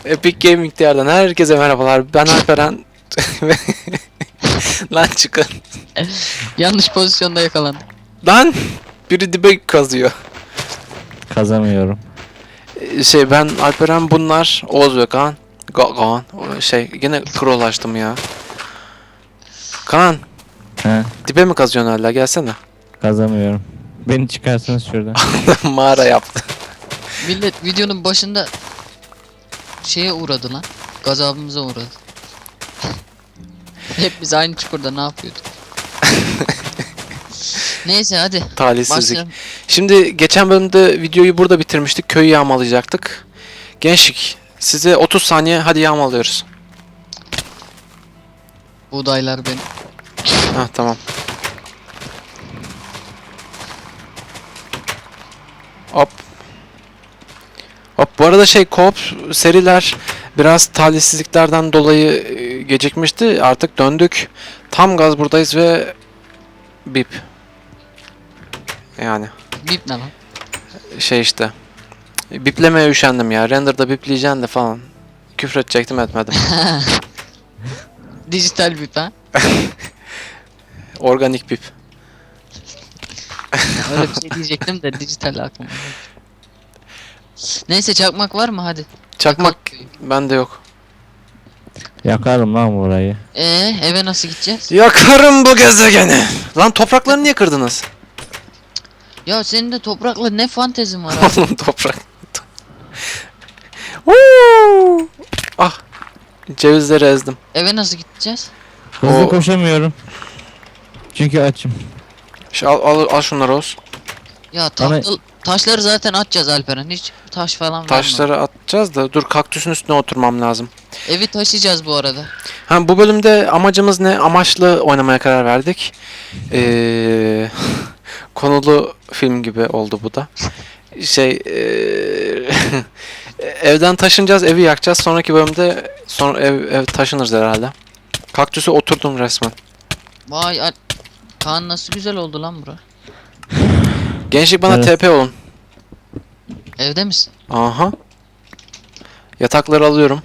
Epic Gaming Diyar'dan herkese merhabalar. Ben Alperen. Lan çıkın. Yanlış pozisyonda yakalandım. Lan biri dibe kazıyor. Kazamıyorum. Ben Alperen, bunlar Oğuz ve Kaan. Kaan. Yine scroll açtım ya. Kaan, He, dibe mi kazıyorsun hala? Gelsene. kazamıyorum. Beni çıkarsanız şuradan. Mağara yaptı. Millet videonun başında şeye uğradı lan. Gazabımıza uğradı. Hep biz aynı çukurda ne yapıyorduk? Neyse hadi. Talihsizlik. Başlayalım. Şimdi geçen bölümde videoyu burada bitirmiştik. Köyü yağmalayacaktık. Gençlik, size 30 saniye, hadi yağmalıyoruz. Buğdaylar benim. Hah, tamam. Hop. Hop, bu arada co-op seriler biraz talihsizliklerden dolayı gecikmişti. Artık döndük. Tam gaz buradayız ve bip. Yani Bip ne lan? işte. Biplemeye üşendim ya. Render'da bipleyeceksin de falan. Küfür edecektim, etmedim. Dijital bip ha. Organik bip. Öyle bir şey diyecektim de dijital aklıma geldi. Neyse çakmak var mı hadi. Çakmak Yakalım. bende yok. Yakarım lan burayı. Eve nasıl gideceğiz? Yakarım bu gezegeni. Lan toprakları niye kırdınız? Ya senin de toprakla ne fantezin var abi? Oğlum toprak. Woo! Ah. Cevizleri ezdim. Eve nasıl gideceğiz? Hızlı O- koşamıyorum. Çünkü açım. Al şunları Oğuz. Ya Bana- taşları zaten atacağız Alperen. Hiç taş falan verme. Taşları atacağız da dur, kaktüsün üstüne oturmam lazım. Evi taşıyacağız bu arada. Ha, bu bölümde amacımız ne? Amaçlı oynamaya karar verdik. Konulu film gibi oldu bu da. Evden taşınacağız, evi yakacağız. Sonraki bölümde ev taşınırız herhalde. Kaktüse oturdum resmen. Vay Kaan nasıl güzel oldu lan bura. Gençlik, bana Evet. TP olun. Evde misin? Aha. Yatakları alıyorum.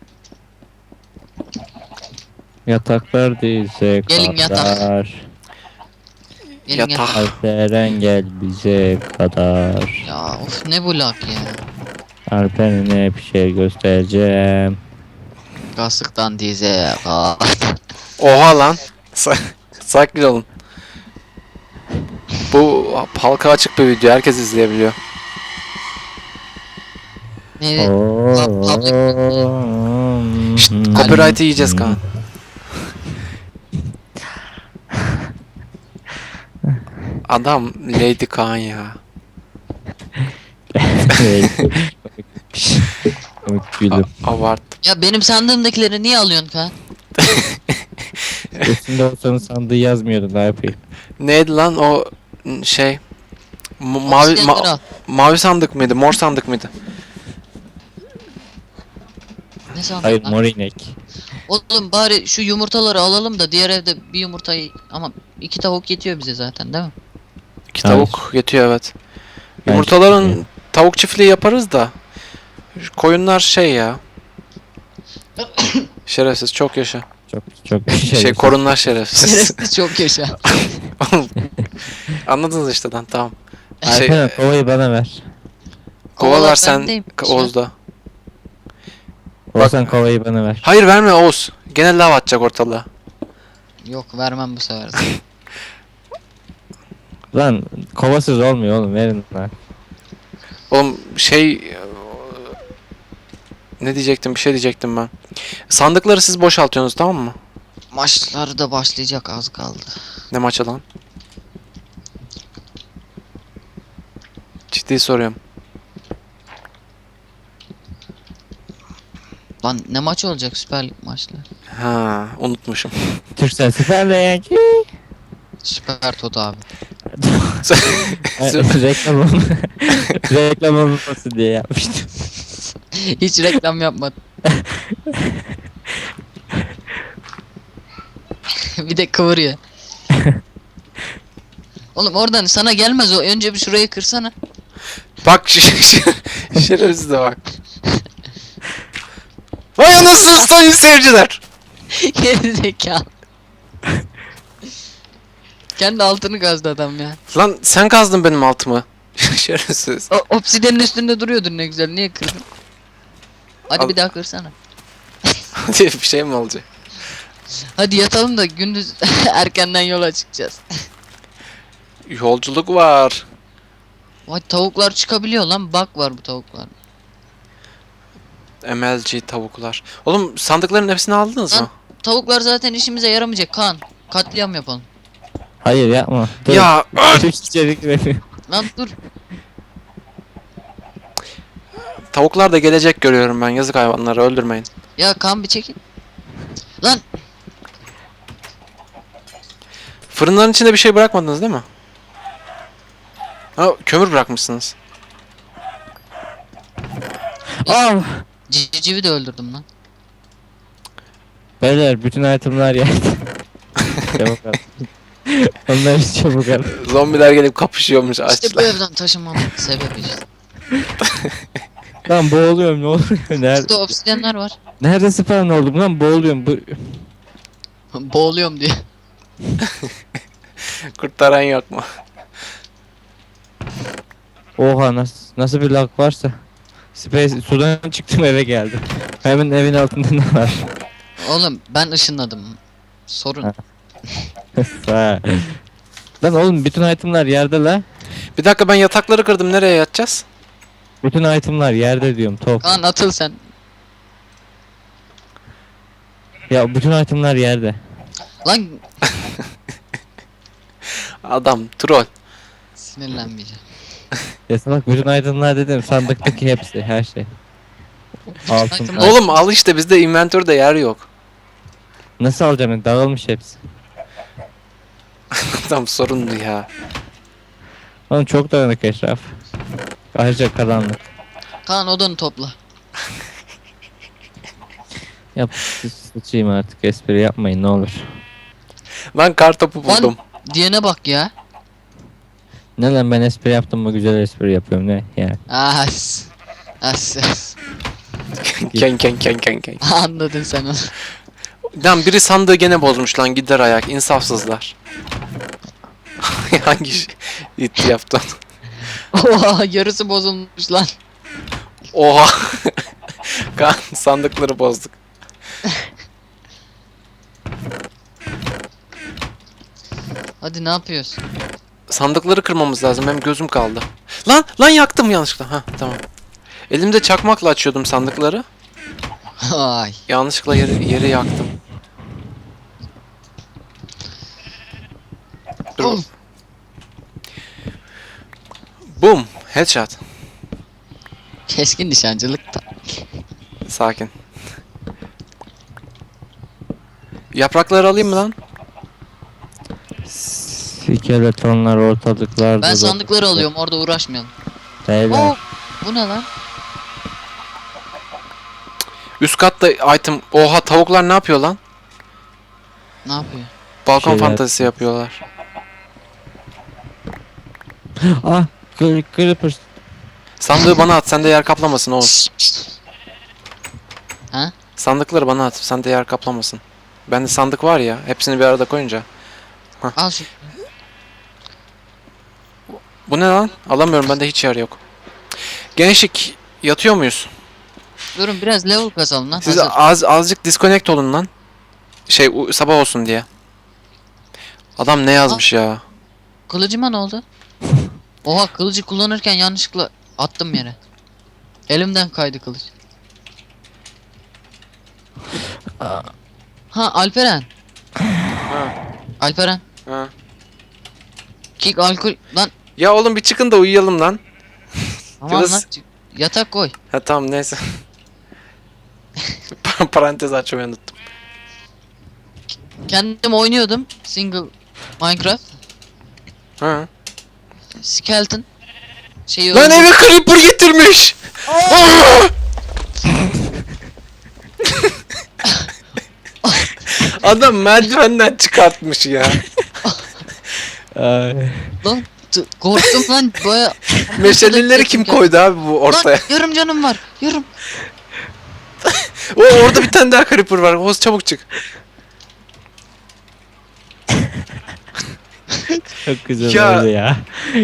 Yataklar dize Gelin yatak. kadar. Gelin gel. Yatak. Alperen gel bize kadar. Ya of ne bu lak ya. Alperen'e bir şey göstereceğim. Kasıktan dize. Aa. Oha lan. Sakin olun. Bu halka açık bir video. Herkes izleyebiliyor. Ne? Şşt, copyright'ı yiyeceğiz Kaan. Adam Lady Kaan ya. Komik gülüm. Abart. Ya benim sandığımdakileri niye alıyorsun Kaan? Üstünde olsanın sandığı yazmıyordu, ne yapayım. Neydi lan o mavi Oksijenleri al. mavi sandık mıydı? Mor sandık mıydı? Ne sandın Hayır, lan? mor inek. Oğlum bari şu yumurtaları alalım da diğer evde bir yumurtayı ama 2 tavuk yetiyor bize zaten değil mi? İki Hayır. tavuk yetiyor, evet. Ben Yumurtaların çiftliği- tavuk çiftliği yaparız da. Şu koyunlar ya. Şerefsiz, çok yaşa. Çok Korunlar şerefsiz. Şerefsiz çok yaşa. Anladınız işte lan, tamam. Alperen kovayı bana ver. Kovalar Kovalar sen bendeymiş ya. Oğuz'da. Olsan kovayı bana ver. Hayır, verme Oğuz. Gene lav atacak ortalığa. Yok vermem bu sefer. Lan kovasız olmuyor oğlum, verin lan. Oğlum ne diyecektim, bir şey diyecektim ben. Sandıkları siz boşaltıyorsunuz, tamam mı? Maçları da başlayacak az kaldı. Ne maçı lan? Ciddi soruyorum. Lan ne maç olacak Süper Lig maçları? Ha, unutmuşum. Türksel Süper Lig. Süper Toto abi. Reklam reklam olmasın diye yapmıştım. Hiç reklam yapmadım. Bir de kıvırıyor. Oğlum oradan sana gelmez o. Önce bir şurayı kırsana. Bak şerefsize bak. musunuz sayın seyirciler? Geri zekalı. Kendi altını kazdı adam ya. Lan sen kazdın benim altımı. Şerefsiz. O obsidiyenin üstünde duruyordur ne güzel. Niye kırdın? Hadi Al. bir daha kırsana. Diye bir şey mi olacak? Hadi yatalım da gündüz erkenden yola çıkacağız. Yolculuk var. Vay tavuklar çıkabiliyor lan. Bak var bu tavuklar. MLG tavuklar. Oğlum sandıkların hepsini aldınız Lan. mı? Tavuklar zaten işimize yaramayacak Kaan. Katliam yapalım. Hayır yapma. Dur. Ya Çok içerik veriyor. Lan dur. tavuklar da gelecek görüyorum ben. Yazık hayvanları öldürmeyin. Ya Kaan bir çekin. Lan Fırınların içinde bir şey bırakmadınız değil mi? Ha, kömür bırakmışsınız. Aa! civcivi de öldürdüm lan. Beyler bütün itemler yerde. Çabuk al. Onlar hiç çabuk al. Zombiler gelip kapışıyormuş İşte bu açlar. evden taşınmamın sebebi işte. Lan boğuluyorum ne oluyor? Nerede? Burada obsidyenler var. Nerede spawn oldum lan boğuluyorum. Boğuluyorum diye. Kurtaran yok mu? Oha nasıl bir lag varsa. Space sudan çıktım eve geldim. Hemen evin altında ne var? Oğlum ben ışınladım. Sorun. Ha. Ha. Lan oğlum bütün itemler yerde la. Bir dakika ben yatakları kırdım. Nereye yatacağız? Bütün itemler yerde diyorum top. Kaan atıl sen. Ya bütün itemler yerde. Lan Adam troll. sinirlenmeyeceğim. Ya salak bütün itemler dedim sandıktaki hepsi her şey. Altın. Itemler- Oğlum al işte bizde inventörde yer yok. Nasıl alacağım? Dağılmış hepsi. Adam sorunlu ya. Oğlum çok dağınık etraf. Ayrıca karanlık. Kaan odanı topla. Yap sıçayım artık espri yapmayın ne olur. Ben kartopu buldum. Diyene bak ya. Ne lan ben espri yaptım mı güzel espri yapıyorum ne yani. As. As. Ken ken ken ken ken. Anladın sen onu. Lan biri sandığı gene bozmuş lan gider ayak insafsızlar. Hangi it yaptın? Oha yarısı bozulmuş lan. Oha. Kan sandıkları bozduk. Hadi ne yapıyorsun? Sandıkları kırmamız lazım. Hem gözüm kaldı. Lan yaktım yanlışlıkla. Ha tamam. Elimde çakmakla açıyordum sandıkları. Ay. Yanlışlıkla yeri yaktım. Dur. Oğlum. Boom. Headshot. Keskin nişancılık da. Sakin. Yaprakları alayım mı lan? Skeletonlar ortalıklarda. Ben sandıkları alıyorum orada uğraşmayalım. Beyler. Oo, bu ne lan? Üst katta item. Oha tavuklar ne yapıyor lan? Ne yapıyor? Balkon Şeyler- fantazisi yapıyorlar. Ah creeper. Sandığı bana at. Sende yer kaplamasın oğlum. Ha? Sandıkları bana at. Sende yer kaplamasın. Bende sandık var ya. Hepsini bir arada koyunca. Al şu. Bu ne lan? Alamıyorum. Bende hiç yer yok. Gençlik yatıyor muyuz? Durun biraz level kazalım lan. Siz Hazır. azıcık disconnect olun lan. Sabah olsun diye. Adam ne yazmış ya? Kılıcıma ne oldu? Oha kılıcı kullanırken yanlışlıkla attım yere. Elimden kaydı kılıç. Ha Alperen. Ha, Alperen. ha. Kick alkol lan. Ya oğlum bir çıkın da uyuyalım lan. Aman Biraz- lan. Yatak koy. Ha tamam neyse. Parantez açmayı unuttum. Kendim oynuyordum. Single Minecraft. Ha. Skeleton. Şeyi Lan öldürdüm. eve creeper getirmiş. Aa! Adam merdivenden çıkartmış ya. Ay. Lan korktum lan baya. Meşaleleri kim koydu abi bu ortaya? Lan yarım canım var. Yarım. Orada bir tane daha creeper var. Oğuz çabuk çık. Çok güzel Ya. oldu ya.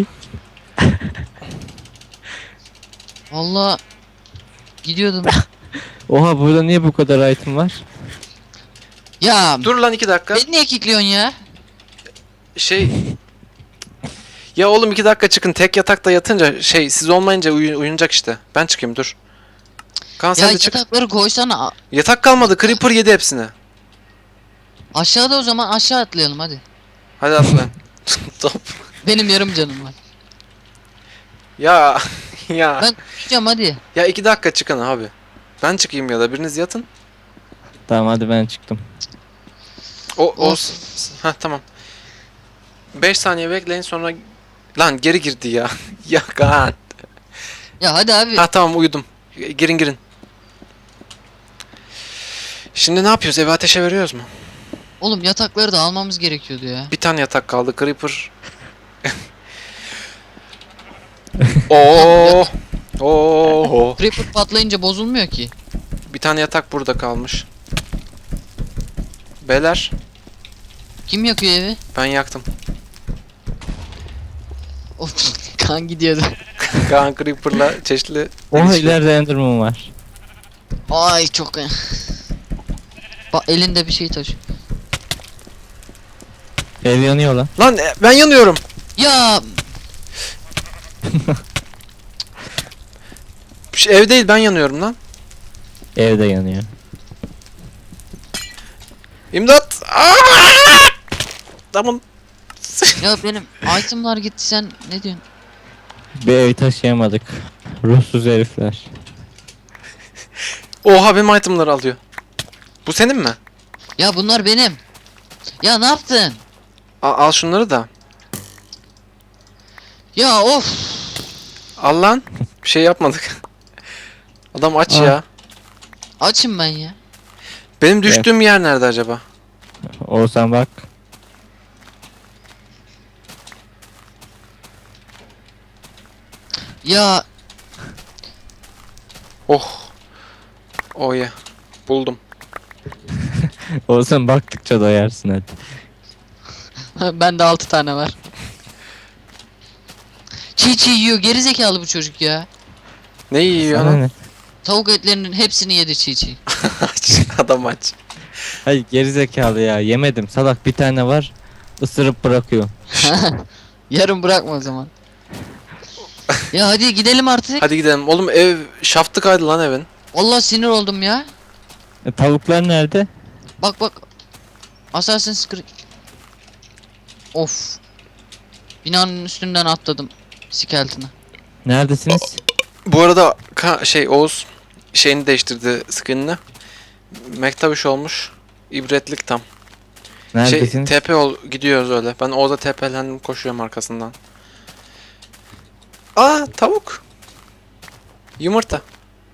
Valla gidiyordum. Oha burada niye bu kadar item var? Ya Dur lan 2 dakika. beni niye kilitliyorsun ya? Şey... Ya oğlum 2 dakika çıkın. Tek yatakta yatınca siz olmayınca uyunacak işte. Ben çıkayım dur. Kaan Ya sen de çık. yatakları koysana. Yatak kalmadı. Creeper yedi hepsini. Aşağıda o zaman aşağı atlayalım hadi. Hadi atla. Top. Benim yarım canım var. Ya ya. Ben tutacağım hadi. Ya 2 dakika çıkın abi. Ben çıkayım ya da biriniz yatın. Tamam hadi ben çıktım. O Olsun. ha tamam. 5 saniye bekleyin sonra lan geri girdi ya. Ya Kaan. Ya hadi abi. Ha tamam uyudum. Girin. Şimdi ne yapıyoruz? Evi ateşe veriyoruz mu? Oğlum yatakları da almamız gerekiyordu ya. Bir tane yatak kaldı. Creeper. Oo. Oo. Creeper patlayınca bozulmuyor ki. Bir tane yatak burada kalmış. Beyler Kim yakıyor evi? ben yaktım. Of kan gidiyordu. Kaan Creeper'la çeşitli Oha dövüşüyor. ileride Enderman var. Ay çok. Bak elinde bir şey taşı. Ev yanıyor lan. Lan ben yanıyorum. Ya Ev değil ben yanıyorum lan. Ev de yanıyor. İmdat. Aa! Tamam. ya benim itemlar gitti sen ne diyorsun? Bir evi taşıyamadık. Ruhsuz herifler. Oha benim itemları alıyor. Bu senin mi? Ya bunlar benim. Ya ne yaptın? Al şunları da. Ya of. Al lan. Bir şey yapmadık. Adam aç Aa. ya. Açım ben ya. Benim düştüğüm yer nerede acaba? Olsan bak. Ya Oh. Oh ya. Buldum. Olsan baktıkça doyarsın hadi. bende 6 tane var. Çiğ çiğ yiyor geri zekalı bu çocuk ya. Ne yiyor Sana lan? ne? Tavuk etlerinin hepsini yedi çiğ çiğ. Aç. Adam aç. Hayır gerizekalı ya yemedim salak bir tane var ısırıp bırakıyor. Yarın bırakma o zaman. Ya hadi gidelim artık. Hadi gidelim. Oğlum ev şaftı kaydı lan evin. Allah sinir oldum ya. Tavuklar nerede? Bak. Assassin's Creed. Of. Binanın üstünden atladım. Skeleton'a. Neredesiniz? Bu arada Oğuz şeyini değiştirdi skinini. Mektabiş olmuş. İbretlik tam. Neredesiniz? TP gidiyoruz öyle. Ben Oğuz'a TP'lendim koşuyorum arkasından. Aa tavuk. Yumurta.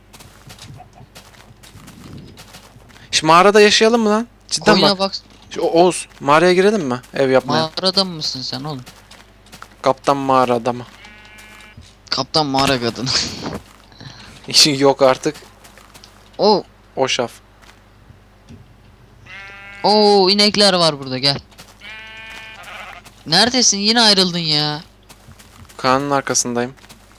Şu mağarada yaşayalım mı lan? Cidden Koyuna bak. bak. Oğuz mağaraya girelim mi? Ev yapmaya. Mağarada mısın sen oğlum? Kaptan mağara adamı. Kaptan mağara kadını. İşin yok artık. Oo. O şaf. Oo inekler var burada gel. Neredesin? Yine ayrıldın ya. Kaan'ın arkasındayım.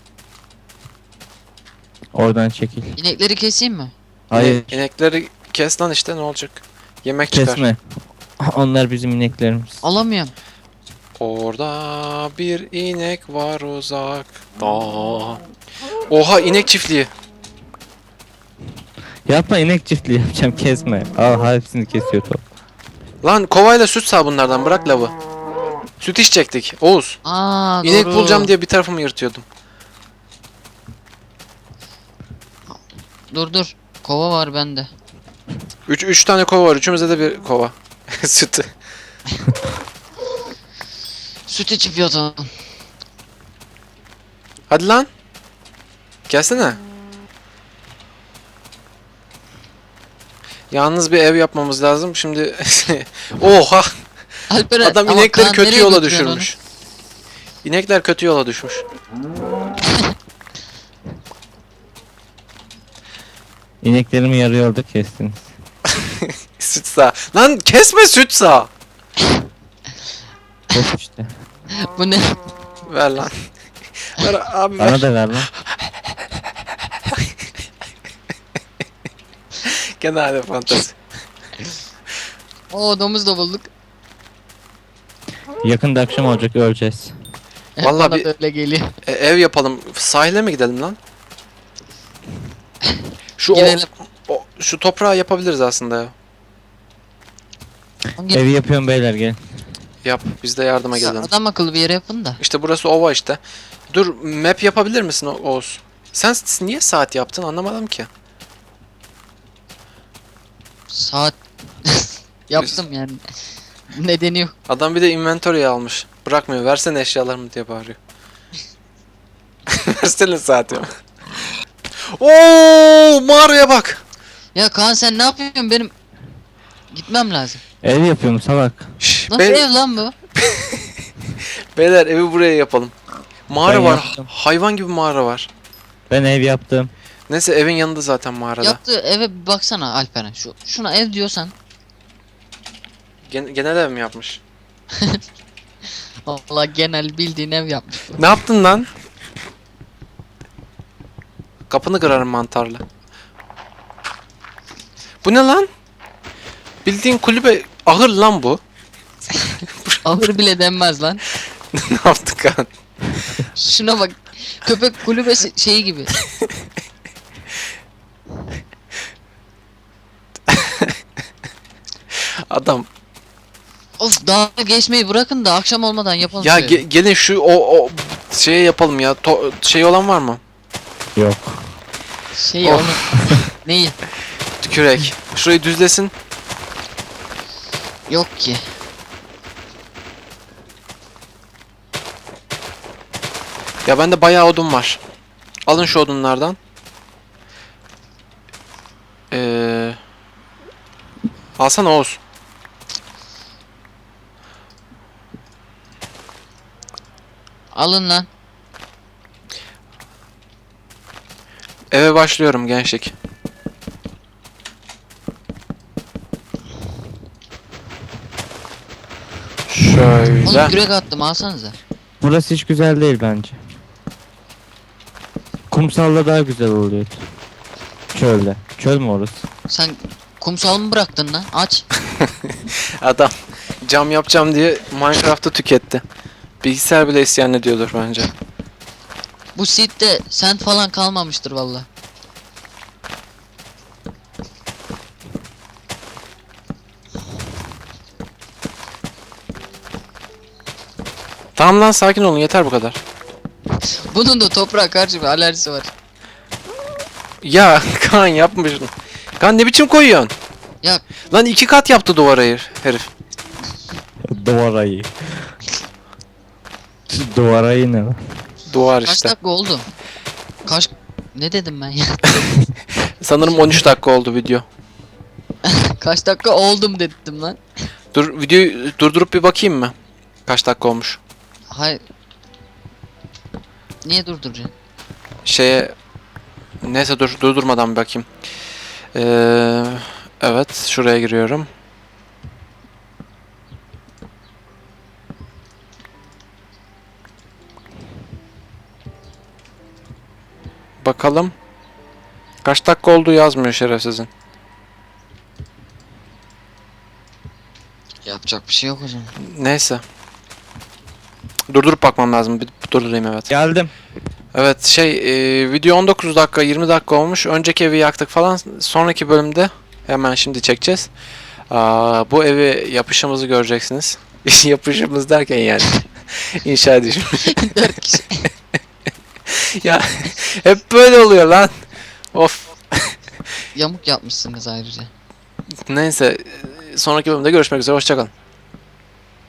Oradan çekil. İnekleri keseyim mi? Hayır İnekleri kes lan işte ne olacak? Yemek çıkar. kesme. Onlar bizim ineklerimiz. Alamıyorum. Orada bir inek var uzakta. Oha inek çiftliği. Yapma inek çiftliği yapacağım kesme. Al hepsini kesiyor top. Lan kovayla süt sağ bunlardan bırak lavı. Süt içecektik. Oğuz. Aa İnek doğru. bulacağım diye bir tarafımı yırtıyordum. Dur. Kova var bende. 3 tane kova var. Üçümüzde de bir kova. Sütü. Süt içip yatalım. Hadi lan. Gelsene. Yalnız bir ev yapmamız lazım. Şimdi oha. Alperen Adam ama inekleri Kaan kötü nereye yola götürüyorsun düşürmüş. İnekler kötü yola düşmüş. İneklerimi yarı yolda kestiniz. Süt sağ. Lan kesme süt sağ. Of işte. Bu ne? Ver lan. Ver abi ver. Bana da ver lan. Genelde fantezi. Oo domuz da bulduk. Yakında akşam olacak, öleceğiz. Vallahi Bana bir- da öyle geliyor. Ev yapalım. Sahile mi gidelim lan? Şu Gidelim. şu toprağı yapabiliriz aslında ya. Evi yapıyorum beyler, gelin. Yap. Biz de yardıma gelelim. Adam akıllı bir yere yapın da. İşte burası ova işte. Dur map yapabilir misin Oğuz? Sen niye saat yaptın anlamadım ki. Saat yaptım yani. Nedeni yok. Adam bir de inventory almış. Bırakmıyor. Versene eşyalarımı diye bağırıyor. Versene saati. Oo, mağaraya bak. Ya Kaan sen ne yapıyorsun benim? Gitmem lazım. Ev yapıyorum salak. Şş, Nasıl ev lan bu? beyler evi buraya yapalım. Mağara Ben var. yaptım. Hayvan gibi mağara var. Ben ev yaptım. Neyse evin yanında zaten mağarada. Yaptığı eve bir baksana Alperen. Şuna ev diyorsan. Genel ev mi yapmış? Vallahi genel bildiğin ev yapmış. Ne yaptın lan? Kapını kırarım mantarla. Bu ne lan? Bildiğin kulübe ahır lan bu. Ahır bile denmez lan. Ne yaptık kan? Şuna bak. Köpek kulübesi şeyi gibi. Adam. Of daha geçmeyi bırakın da akşam olmadan yapalım. Ya şu evi. gelin şu o şeye yapalım ya. Şey olan var mı? Yok. Şey Of. onu. Neyi? Kürek. Şurayı düzlesin. Yok ki. Ya bende bayağı odun var. Alın şu odunlardan. Alsana Oğuz. Alın lan. Eve başlıyorum gençlik. Oğlum Şöyle. kürek attım alsanıza. Burası hiç güzel değil bence. Kumsalda daha güzel oluyor. Çölde. Çöl mü orası? Sen kumsal mı bıraktın lan? Aç. Adam cam yapacağım diye Minecraft'ı tüketti. Bilgisayar bile isyan ediyordur bence. Bu seed'de sent falan kalmamıştır valla. Tamam lan sakin olun yeter bu kadar. Bunun da toprağa karşı bir alerjisi var. Ya Kaan yapma şunu. Kaan ne biçim koyuyorsun? Ya Lan 2 kat yaptı duvara herif. Duvarayı. Duvarayı ne lan? Duvar kaç işte. dakika oldu? Kaç... Ne dedim ben ya? Sanırım 13 dakika oldu video. Kaç dakika oldum dedim lan. Dur videoyu durdurup bir bakayım mı? Kaç dakika olmuş? Hayır. Niye durduracaksın? Şeye neyse dur durdurmadan bir bakayım. Evet şuraya giriyorum. Bakalım. Kaç dakika oldu yazmıyor şerefsizin. Yapacak bir şey yok o zaman. Neyse. Durdurup bakmam lazım. Bir durdurayım evet. Geldim. Evet video 19 dakika 20 dakika olmuş. Önceki evi yaktık falan. Sonraki bölümde hemen şimdi çekeceğiz. Bu evi yapışımızı göreceksiniz. Yapışımız derken yani. İnşa edişim. 4 kişi. Ya hep böyle oluyor lan. Of. Yamuk yapmışsınız ayrıca. Neyse sonraki bölümde görüşmek üzere. Hoşçakalın.